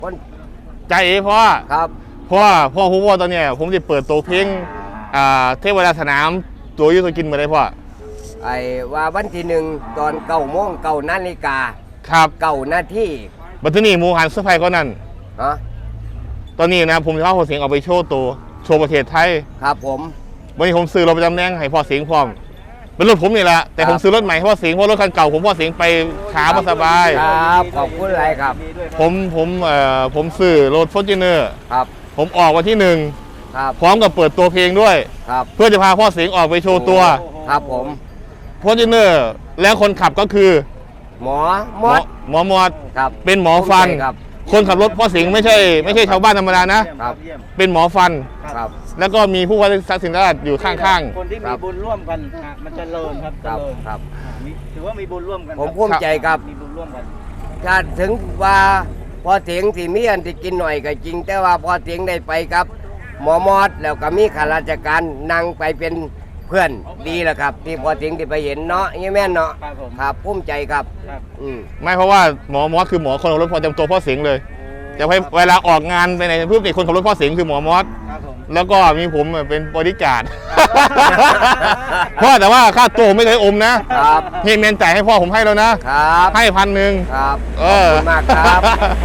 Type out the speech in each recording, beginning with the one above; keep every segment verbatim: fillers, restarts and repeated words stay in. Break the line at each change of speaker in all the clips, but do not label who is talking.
คน
ใจเอ๋พ่อ
ครับ
พ่อพ่อผู้ว่าตอนเนี้ยผมจะเปิดตัวเพลงอ่าเทวดาสนามตัวยุทธกินมาได้พ่อ
ไอ้ว่าวันที่หนึ่งตอนเก้าโมงเก้านาฬิกา
ครับ
เก้านาที
บัตรนี่หมูหันเสื้อผ้าก็นั่น
ฮะ
ตอนนี้นะผมจะเอาพ่อเสียงออกไปโชว์ตัวโชว์ประเทศไทย
ครับผม
วันนี้ผมซื้อรถประจำแนงให้พ่อเสียงพร้อมเป็นรถผมนี่แหละแต่ผมซื้อรถใหม่ให้พ่อเสียงเพราะรถคันเก่าผมพ่อเสียงไปขาไม่สบาย
ครับขอบคุณอะไรครับ
ผมผมเอ่อผมซื้อรถฟอร์จูเนอร์
ครับ
ผมออกวันที่หนึ่ง
ครับ
พร้อมกับเปิดตัวเพลงด้วย
ครับ
เพื่อจะพาพ่อเสียงออกไปโชว์ตัว
ครับผม
ฟอร์จูเนอร์แล้วคนขับก็คือ
หมอมอด
หมอมอด
ครับ
เป็นหมอฟันคนขับรถพ่อเสียงไม่ใช่ไม่ใช่ชาวบ้านธรรมดานะครับเป็นหมอฟัน
ครับ
แล้วก็มีผู้ว่าราชการราชอยู่ข้าง
ๆคนที่มีบุญร่วมกันมันจะเลิศครับ
ครับครับ
ถือว่ามีบุญร่วมกัน
ผมภูมิใจครับ
มีบุญร่วมกัน
ถ้าถึงว่าพอเสียงที่มีอันที่กินหน่อยก็จริงแต่ว่าพอเสียงได้ไปครับหมอมอดแล้วก็มีข้าราชการนั่งไปเป็นเพื่อนดีแหละครับที่พอเสียงที่ไปเห็นเนาะยี่แม่นเนาะครับภูมิใจครับ
อืมไม่เพราะว่าหมอมอสคือหมอคนขับรถพอจำตัวพ่อเสียงเลยจะไปเวลาออกงานไปไหนเพื่อเป็นคนขับรถพ่อเสียงคือหมอมอสแล้วก็มีผมเป็นบริการพ่อแต่ว่าค่าตัวไม่เคยอมนะครับเฮเมนจ่ายให้พ่อผมให้แล้วนะครับให้พันหนึ่ง
ครับขอบคุณมากครับ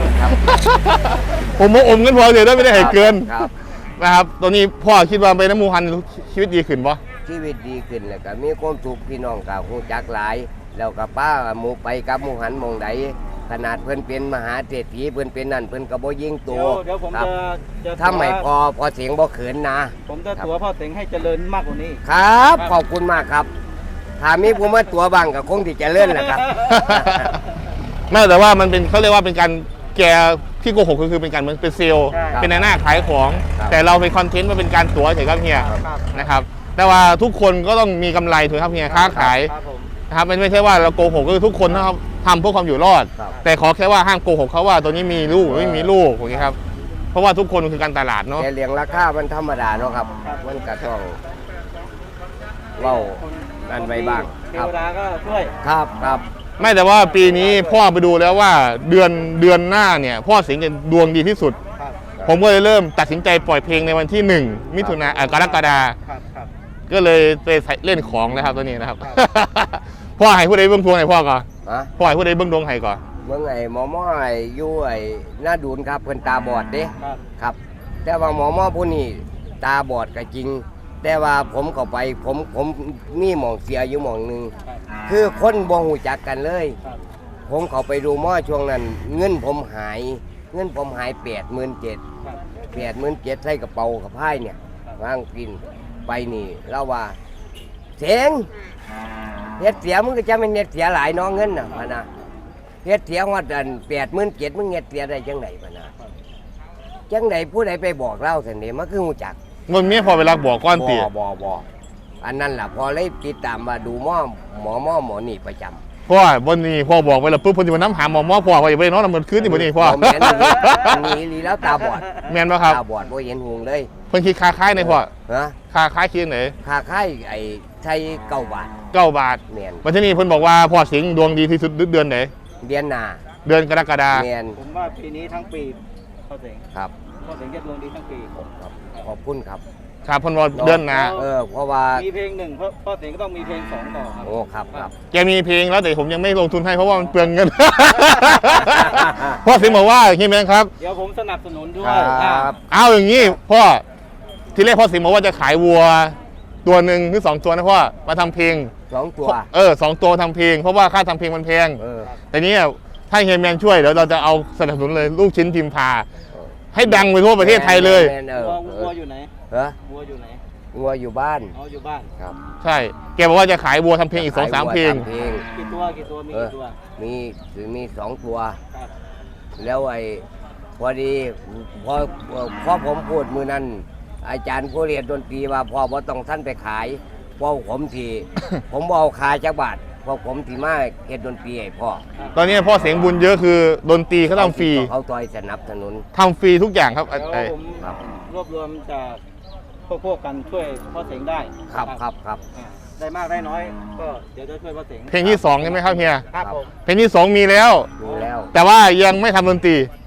ผมมาอมกันพอเดี๋ยวได้ไม่ได้ให้เกินนะครับตอนนี้พ่อคิดว่าไปน้ำมูฮันชีวิตดีขึ้นปะ
ชีวิตดีขึ้นแล้วก็มีความสุขพี่น้องกับหูจักหลายแล้วกับป้าหมูไปกับมูหันมองใดขนาดเพิ่นเป็นมหาเศรษฐีเพิ่นเป็นนั่นเพิ่นก็บ่ยิงตัว
เดี๋ยวผมจะจะ
ถ้าไม่พอพอเสียงบ่เขินนะ
ผมจะตัวพ่อเสียงให้เจริญมากกว่านี้
ครับขอบคุณมากครับถ้ามีผมมาตัวบังก็คงที่จะเลื่อนแหละครับ
ไม่แต่ว่ามันเป็นเขาเรียกว่าเป็นการแกที่โกหกก็คือเป็นการเหมือนเป็นเซลล์เป็นหน้าขายของแต่เราเป็นคอนเทนต์มาเป็นการตัวเฉยครับเฮียนะครับแต่ว่าทุกคนก็ต้องมีกำไรถูกครับเฮียค้าขายนะครับไม่ใช่ว่าเราโกหกก็คือทุกคนนะครับทำเพื่อความอยู่รอดแต่ขอแค่ว่าห้ามโกหกเขาว่าตัวนี้มีลูกไม่มีลูกอย่างนี้ครับเพราะว่าทุกคนคือการตลาดเนาะ
แต่เลี้ยงราคามันธรรมดาเนาะครับมันก็ต้องเล่านั่นไปบ้าง
เทวดาก็ช่วย
ครับครับ
ไม่แต่ว่าปีนี้พ่อไปดูแล้วว่าเดือนเดือนหน้าเนี่ยพ่อสิงห์จะดวงดีที่สุดผมก็เลยเริ่มตัดสินใจปล่อยเพลงในวันที่หนึ่งมิถุนายนกรกฎาก็เลยไปเล่นของนะครับตัวนี้นะครับพ่อให้ผู้ใดเบื้องดวงให้พ่อก่อนพ่อให้ผู้ใดเบื้องดวงให้ก่อน
เบื้องไอ้หมอหม้อไอ้ยู่ไอ้หน้าดูนครับเพิ่นตาบอดเด้ครับแต่ว่าหมอหม้อผู้นี้ตาบอดก็จริงแต่ว่าผมเข้าไปผมผมมีหมองเสียอยู่หมองหนึ่งคือคนบ่หูจักกันเลยผมเข้าไปดูหม้อช่วงนั้นเงินผมหายเงินผมหายแปดหมื่นเจ็ดแปดหมื่นเจ็ดใส่กระเป๋ากับไพ่เนี่ยวางกินไปนี่เราว่าเสียงเฮ็ดเสียมึงก็จะไม่เฮ็ดเสียหลายน้องเงินน่ะพะนะเฮ็ดเสียว่าดันแปดหมื่นเจ็ดมึงเฮ็ดเสียได้จังไหนพะนะจังไหนผู้ใดไปบอกเล่าสันนี่มันคือหูจัก
เงินเมียพอเวลาบอกก้อนตี
บ่บ่บ่อันนั้นแหละพอเลยติดตามมาดูหม้อหมอหม้อหมอนี่ประจำ
พ่อบนนี้พ่อบอกไปแล้วปุ๊บพอดีมันน้ำหาหมอหมอพ่อไปไปน้องน้ำมันขึ้นที่บนนี้พ่อ
แมนนี่ลีแล้วตาบอด
แมนป่ะครับ
ตาบอดบ่เห็นหงเลย
เพิ่นคิดค่าค่ายในพ่อ
ฮะ
ค่าค่ายคิดไหน
ค่าค่ายไอ้ใช้เก้าบาท
เก้าบาท
แมน
วันนี้เพิ่นบอกว่าพ่อสิงห์ดวงดีที่สุดเดือนไหน
เดือนหน้า
เดือนกรกฎาคม
แมน
ผมว่าปีนี้ทั้งปีพ่อสิงห์
ครับ
พ่อสิงห์จะดวงดีทั้งปี
ขอบคุณครับ
ครับพ่อว่าเดือนหน้า
เออเพราะว่า
มีเพลงหนึ่งพ่อพ่อสิงห์ก็ต้องมีเพลงสองต่อครับ
โอ้ครับครับ
แกมีเพลงแล้วแต่ผมยังไม่ลงทุนให้เพราะว่ามันเปลืองเงินพ่อสิงห์บอกว่าเฮียแมนครับ
เดี๋ยวผมสนับสนุนด้วย
ครับ
เอาอย่างนี้พ่อที่แรกพ่อสิงห์บอกว่าจะขายวัวตัวหนึ่งหรือสองตัวนะพ่อมาทำเพลง
สองตัว
เออสองตัวทำเพลงเพราะว่าค่าทำเพลงมันแพงแต่นี้ถ้าเฮียแมนช่วยเดี๋ยวเราจะเอาสนับสนุนเลยลูกชิ้นพิมพาให้ดังไปทั่วประเทศไทยเลย
วัวอยู่ไหน
เหรอ
วัวอยู่ไหน
วัวอยู่บ้าน
อ๋ออยู่บ้าน
ครับ
ใช่แกบอกว่าจะขายวัวทำเพลงอีกสองสามเพลง
กี่ตัวกี่ตัวมีกี่ตัว
มีถือมีสองตัวแล้วไอ้พอดีพอพอผมพูดมือนั้นอาจารย์ผู้เรียนดนตรีว่าพอบ่ต้องท่านไปขายพอผมทีผมเอาขายจักบาทพอผมทีมาเฮ็ดดนตรีให้พ่อ
ตอนนี้พ่อเสียงบุญเยอะคือดนตรีเขาทำฟรี
เขาต่อยสนับสนุน
ทำฟรีทุกอย่างครับ
ไอ้รวบรวมจากพวกพวกกันช่วยพ่อเสียงได้
ครับครับครับ
ได้มากได้น้อยก็เดี๋ยวจะช่วยพ่อเสียง
เพลงที่สองใช่ไหมครับเฮีย
ครับผม
เพลงที่สองมีแล้ว
มีแล้ว
แต่ว่ายังไม่ทำดนตรี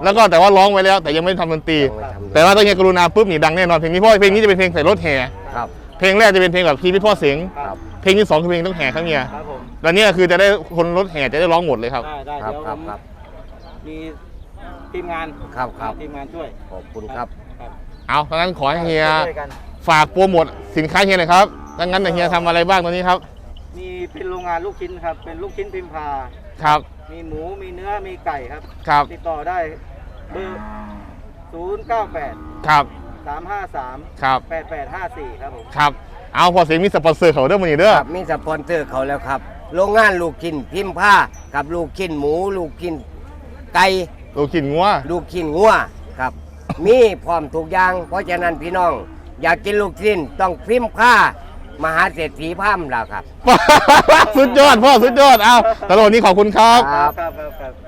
แล้วก็แต่ว่าร้องไว้แล้วแต่ยังไม่ทำดนตรี
ยังไม่ทำ
แต่ว่าต้องเฮียกรุณาปุ๊บนี่ดังแน่นอนเพลงนี้เพราะว่าเพลงนี้จะเป็นเพลงใส่รถแห่
ครับ
เพลงแรกจะเป็นเพลงแบบพีพี่พ่อเสียง
ครับ
เพลงที่สองคือเพลงต้องแห่ครับเฮีย
ครับผม
แล้วเนี่ยคือจะได้คนรถแห่จะได้ร้องหมดเลยครับ
ได้ได้
ครับ
เดี๋ยว
ค
ผ
รับ
ม
ครับ
มีทีมงาน
ครับครับ
ทีมงานช่วย
ขอบคุณครับ
ครับ
เอาดังนั้นขอให้เฮีย
ช่วยกัน
ฝากโปรโมทสินค้าเฮียหน่อยครับดังนั้นเฮียทำอะไรบ้างตอนนี้ครับ
มีเป็นโรงงานลูกชิ้นครับ เป็นลูกชิ้นพิมพา
ครับ
มีหมูมีเนื้อมีไก่ครับ
ครับ
ติดต่อได้เบอร์ศูนย์เก้าแปด
ครับ
สามห้าสาม
ครับ
แปดแปดห้าสี่ครับผม
ครับเอาพอเสียงมีสปอนเซอร์เขาเด้อมันนี่เด้อ
ครับมีสปอนเซอร์เขาแล้วครับ โรงงานลูกชิ้นพิมพ์ผ้ากับลูกชิ้นหมู ลูกชิ้นไก่
ลูกขินงัว
ลูกชิ้นงัวครับ มีพร้อมทุกอย่าง เพราะฉะนั้นพี่น้อง อยากกินลูกชิ้นต้องพิมพ์ผ้ามหาเศรษฐีพามแล้วครับ
สุดยอดพ่อสุดยอดเอาตลอดนี้ขอบคุณครับ
ครับ
ครับครับครับ